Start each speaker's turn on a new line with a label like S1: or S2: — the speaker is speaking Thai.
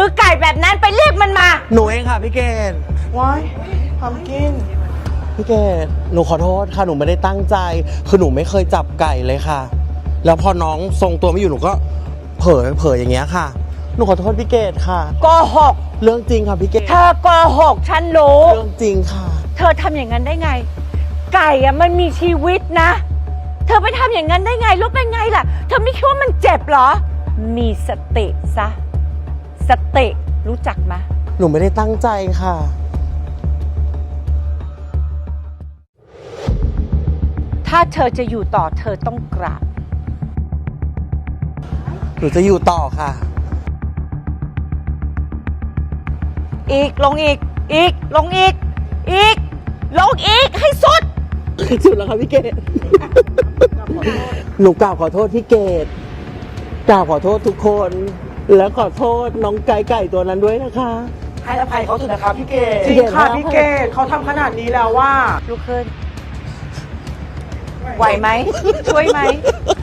S1: อไก่แบบนั้นไปเรียกมันมา
S2: หนูเองค่ะพี่เกด
S3: ว้ายทำกิน
S2: พี่เกดหนูขอโทษค่ะหนูไม่ได้ตั้งใจ คือหนูไม่เคยจับไก่เลยค่ะ แล้วพอน้องทรงตัวไม่อยู่หนูก็เผลออย่างเงี้ยค่ะ หนูขอโทษพี่เกดค่ะ
S1: โกหก
S2: เรื่องจริงค่ะพี่เกด
S1: เธอโกหกฉันรู้
S2: เรื่องจริงค่ะ
S1: เธอทำอย่างนั้นได้ไง ไก่อะมันมีชีวิตนะ เธอไปทำอย่างนั้นได้ไงรู้เป็นไงล่ะ เธอไม่คิดว่ามันเจ็บเหรอ มีสติซะ สติรู้จักไหม
S2: หนูไม่ได้ตั้งใจค่ะ
S1: ถ้าเธอจะอยู่ต่อเธอต้องกราบ
S2: หนูจะอยู่ต่อค่ะ
S1: อีกลงอีก อีกลงอีก อีกลงอีกให้สุด
S2: สุดแล้วค่ะพี่เกด หนูกราบขอโทษพี่เกดกราบขอโทษทุกคน และขอโทษน้องไก่ตัวนั้นด้วยนะคะ
S3: ให้อภัยเขาเถอะนะครับพี่เกด
S2: จริงค่ะพี่เกด
S3: เขาทำขนาดนี้แล้วว่า
S1: ลุกขึ้น ไหวไหม ช่วยไหม